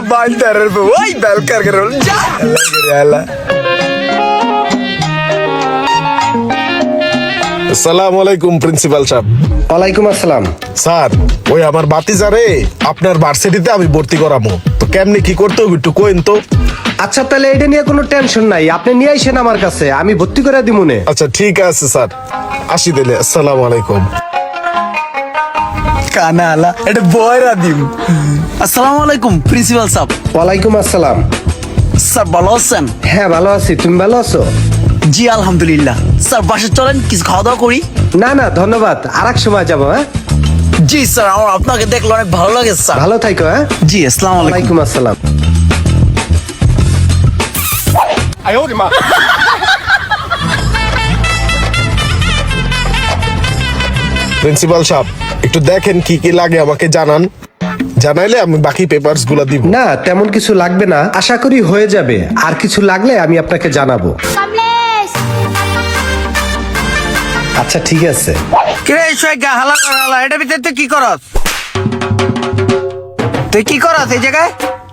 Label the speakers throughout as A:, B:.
A: বান্দারের বউ ওই বেলকার করে যা আল্লাহ।
B: আসসালামু আলাইকুম প্রিন্সিপাল সাহেব।
C: ওয়ালাইকুম আসসালাম।
B: স্যার ওই আমার বাতিজারে আপনার ভার্সিটিতে আমি ভর্তি করাবো, তো কেমনি কি করতে হবে একটু কইন তো।
C: আচ্ছা তাহলে এটা নিয়ে কোনো টেনশন নাই, আপনি নিয়ে আইসেন আমার কাছে, আমি ভর্তি করে দিব মনে।
B: আচ্ছা ঠিক আছে স্যার, আসি দিলে। আসসালামু আলাইকুম।
A: কানা আলা এটা বয়রা দিম।
D: আসসালামু আলাইকুম প্রিন্সিপাল সাহেব।
C: ওয়ালাইকুম আসসালাম।
D: স্যার ভালো আছেন?
C: হ্যাঁ ভালো আছি, তুমি ভালো আছো?
D: জি আলহামদুলিল্লাহ। স্যার বাসে চলেন কিছু খাওয়া দাওয়া করি।
C: না না ধন্যবাদ, আর এক সময় যাবো। হ্যাঁ
D: জি স্যার, আমার আপনাকে দেখলে অনেক ভালো লাগে স্যার।
C: ভালো থাকো। হ্যাঁ
D: জি আসসালামু আলাইকুম।
C: ওয়ালাইকুম আসসালাম।
B: প্রিন্সিপাল সাহেব একটু দেখেন কি কি লাগে আমাকে জানান, জানাইলে আমি বাকি পেপারস গুলা দিব।
C: না তেমন কিছু লাগবে না, আশা করি হয়ে যাবে। আর কিছু লাগলে আমি আপনাকে জানাবো। আচ্ছা ঠিক আছে।
D: কিরে সৈগা হালা কর হালা, এটা ভিতরে তুই কি করস? তুই কি করস এই জায়গায়?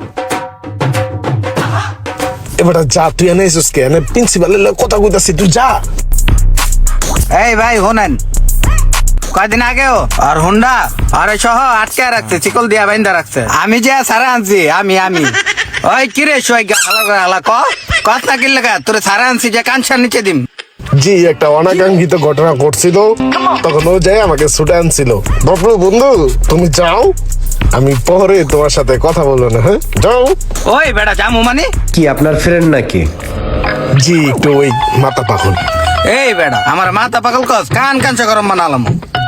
B: এবার যা, তুই এনে এসেছিস কে? এনে প্রিন্সিপালের কথা কইতাছি, তুই যা।
D: এই ভাই হোনেন, কয়দিন আগেও আর হুন্ডা আর সহ আটকে রাখছে, চিকল দিয়া বাইন্দা রাখছে। আমি যে সারা আনছি, আমি ওই কিরে সৈগা হালা কর হালা, কথা কি লাগা তোরে সারা আনছি যে কানসার নিচে দিম।
B: জি একটা অনাকাঙ্ক্ষিত ঘটনা ঘটছিল, তখন ও যাই আমাকে ছুটে আনছিল। বাপরে বন্ধু তুমি যাও, আমি পরে তোমার সাথে কথা বলবো না। হ্যাঁ যাও।
D: ওই বেটা জামু মানে
C: কি আপনার ফ্রেন্ড নাকি?
B: জি একটু ওই মাথা পাগল।
D: এই বেটা আমার মাথা পাগল কস, কান কাঞ্চা গরম বানালাম।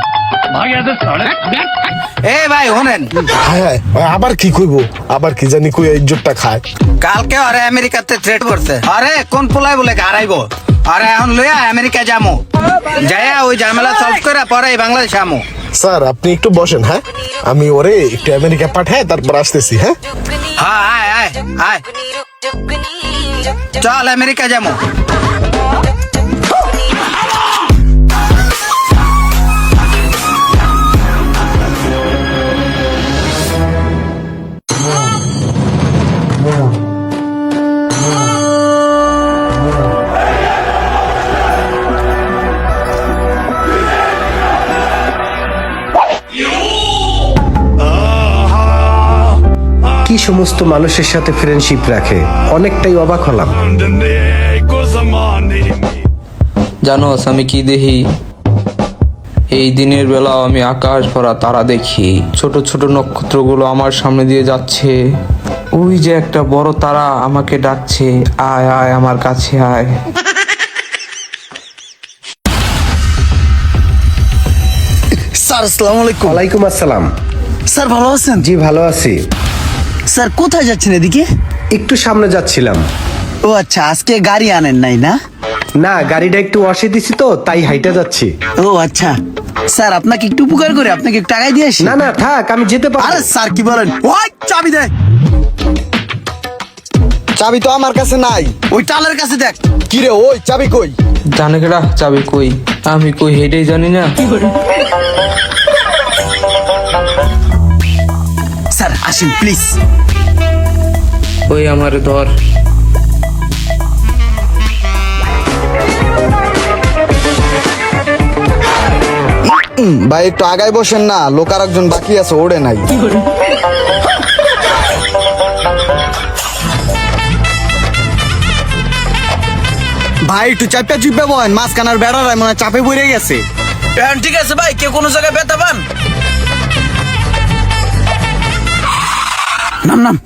D: এই ভাই হোনেন,
B: হ্যাঁ হ্যাঁ আবার কি কইবো, আবার কি জানি কই ইজ্জতটা খায়।
D: কালকে আরে আমেরিকাতে থ্রেট করছে, আরে কোন পোলাই বলে হারাইবো। আরে এখন লইয়া আমেরিকা যামু, যাইয়া ওই ঝামেলা সলভ করে পরে বাংলাদেশ আমু।
B: স্যার আপনি একটু বসেন, হ্যাঁ আমি ওরে একটু আমেরিকা পাঠায় তারপর আসতেছি। হ্যাঁ
D: হ্যাঁ আয় আয় আয়, চল আমেরিকা যামু।
C: কি সমস্ত মানুষের সাথে ফ্রেন্ডশিপ রাখে, অনেকটাই অবাক হলাম।
E: জানোস আমি কি দেখি? এই দিনের বেলাও আমি আকাশ ভরা তারা দেখি, ছোট ছোট নক্ষত্রগুলো আমার সামনে দিয়ে যাচ্ছে। ওই যে একটা বড় তারা আমাকে ডাকছে, আয় আয় আমার কাছে আয়।
D: স্যার আসসালামু আলাইকুম।
C: ওয়ালাইকুম আসসালাম।
D: স্যার ভালো আছেন?
C: জি ভালো আছি।
D: স্যার কোথায় যাচ্ছেন এদিকে?
C: একটু সামনে যাচ্ছিলাম।
D: ও আচ্ছা, আজকে গাড়ি আনেন নাই না?
C: না গাড়িটা একটু অসে দিছি তো তাই হাইটা যাচ্ছি।
D: ও আচ্ছা স্যার, আপনাকে একটু উপকার করে আপনাকে একটু টাকাই দিয়ে আসি।
C: না না থাক, আমি যেতে পারবো।
D: আরে স্যার কি বলেন, ওই চাবি দে।
A: চাবি তো আমার কাছে নাই।
D: ওই টালের কাছে দেখ।
A: কি রে ওই চাবি কই?
E: জানে কেডা চাবি কই? আমি কই হেডেই জানি না।
D: স্যার আসেন প্লিজ।
E: ওই আমার ধর।
A: ভাই একটু আগায় বসেন না, লোক আর একজন বাকি আছে, ওড়ে নাই। ভাই একটু চাপা চুপে বহেন, মাঝখানার বেড়ার মনে হয় চাপে পড়ে গেছে।
D: ঠিক আছে ভাই, কেউ কোনো জায়গায় ব্যথা পান? নাম নাম।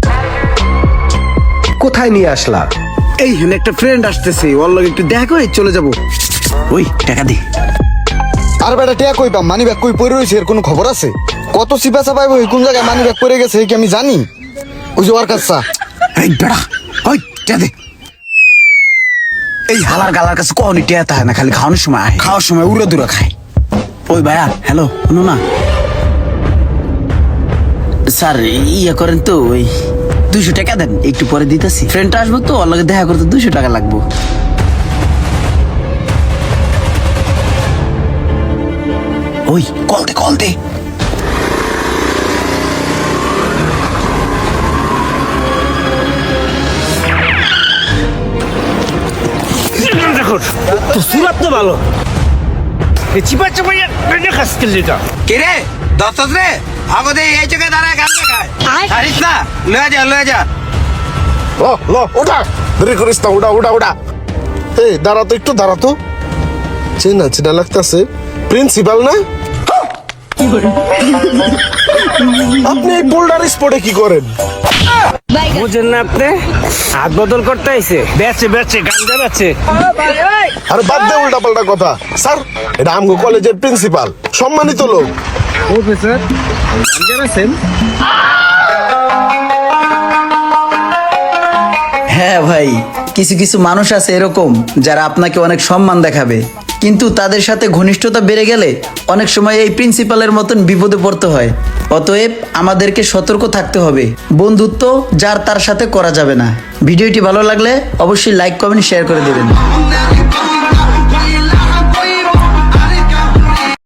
C: কোথায় নিয়ে আসলা?
D: এই হেন একটা ফ্রেন্ড আসতেছে, ওর লগে একটু দেখা করে চলে যাব। ওই টাকা দে।
A: আর বেটা টিয়া কই পাম, মানি ব্যাগ কই পড়ে রয়েছে এর কোনো খবর আছে? কত সিপা চাপাইব, কোন জায়গায় মানি ব্যাগ পড়ে গেছে কি আমি জানি? ওই যে ওর কাছে।
D: এই বেড়া, ওই টাকা দে। এই হালার গালার কাছে কখনই টেয়া থাকে না, খালি খাওয়ানোর সময় আয়, খাওয়ার সময় উড়ে দূরে খায়। ওই ভাইয়া হ্যালো, শোনো না স্যার, ইয়ে করেন তো ওই 200 টাকা দেন, একটু পরে দিতেছি। ফ্রেন্ডটা আসবো তো, ওর লগে দেখা করতে 200 টাকা লাগবো। ওই কল দে কল দে।
F: তো সুরাত তো ভালো চিপা চাপাইয়া খাসকেল যেটা
D: কিরে দশ রে আগতে এই চোখে দাঁড়ায় গান দেখায় হারিস না লয়ে যা
B: ল ওটা দেরি করিস না ওটা এই দাঁড়া তো একটু দাঁড়া তো চেনা লাগতেছে প্রিন্সিপাল না আপনি এই বোল্ডার স্পটে কি করেন
F: বুঝেন না আপনি হাত বদল করতে আইছে বেচে গাঞ্জা বেচে
B: আরে বাদ দে উল্টা পাল্টা কথা স্যার এটা আমগো কলেজের প্রিন্সিপাল সম্মানিত লোক
F: প্রফেসর গাঞ্জা বেচেন
G: হ্যাঁ ভাই কিছু কিছু মানুষ আছে এরকম যারা আপনাকে অনেক সম্মান দেখাবে, কিন্তু তাদের সাথে ঘনিষ্ঠতা বেড়ে গেলে অনেক সময় এই প্রিন্সিপালের মতন বিপদে পড়তে হয়। অতএব আমাদেরকে সতর্ক থাকতে হবে। বন্ধুত্ব যার তার সাথে করা যাবে না। ভিডিওটি ভালো লাগলে অবশ্যই লাইক কমেন্ট শেয়ার করে দেবেন।